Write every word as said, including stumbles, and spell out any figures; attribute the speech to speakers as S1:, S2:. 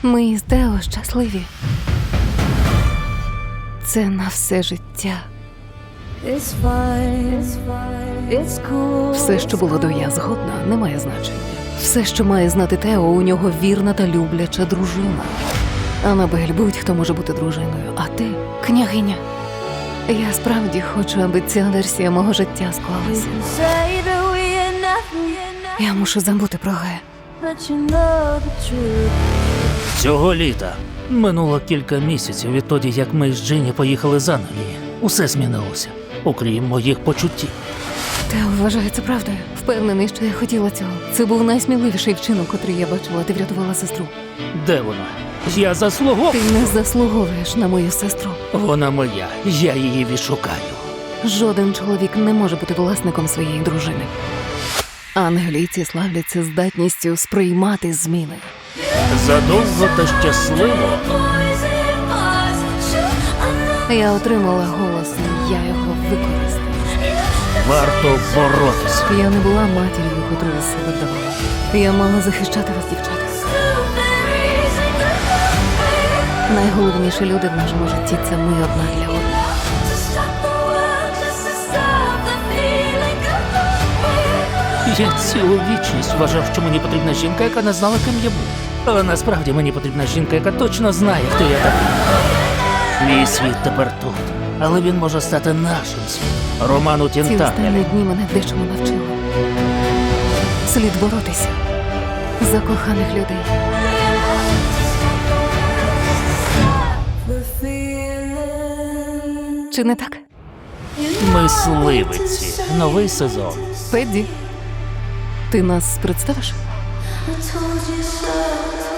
S1: Ми з Тео щасливі. Це на все життя.
S2: It's fine, it's fine, it's cool.
S1: Все, що було до я згодна, не має значення. Все, що має знати Тео, у нього вірна та любляча дружина. Анабель, будь-хто може бути дружиною, а ти – княгиня. Я справді хочу, аби ця версія мого життя склалася.
S2: Say that we are nothing,
S1: Я мушу забути про Ге.
S2: but you know the truth.
S3: Цього літа минуло кілька місяців відтоді, як ми з Джинні поїхали з Англії. Усе змінилося, окрім моїх почуттів.
S1: Тео вважає це правдою. Впевнений, що я хотіла цього. Це був найсміливіший вчинок, котрий я бачила. Ти врятувала сестру.
S3: Де вона? Я заслуговую.
S1: Ти не заслуговуєш на мою сестру.
S3: Вона моя, я її відшукаю.
S1: Жоден чоловік не може бути власником своєї дружини. Англійці славляться здатністю сприймати зміни.
S3: Задовго та щасливо.
S1: Я отримала голос, я його використала.
S3: Варто боротися.
S1: Я не була матір'ю, котру із себе вдавала. Я мала захищати вас, дівчата. Найголовніші люди в нашому житті – це ми одна для одного.
S3: Я цілу вічність вважав, що мені потрібна жінка, яка не знала, ким я був. Але насправді мені потрібна жінка, яка точно знає, хто я такий. Мій світ тепер тут, але він може стати нашим світом. Роман у
S1: Ці
S3: Тінтанелі.
S1: останні дні мене дечому навчили. Слід боротися за коханих людей.
S2: The feeling.
S1: Чи не так?
S3: Мисливиці. Новий сезон.
S1: Педді, ти нас представиш?
S2: I told you so.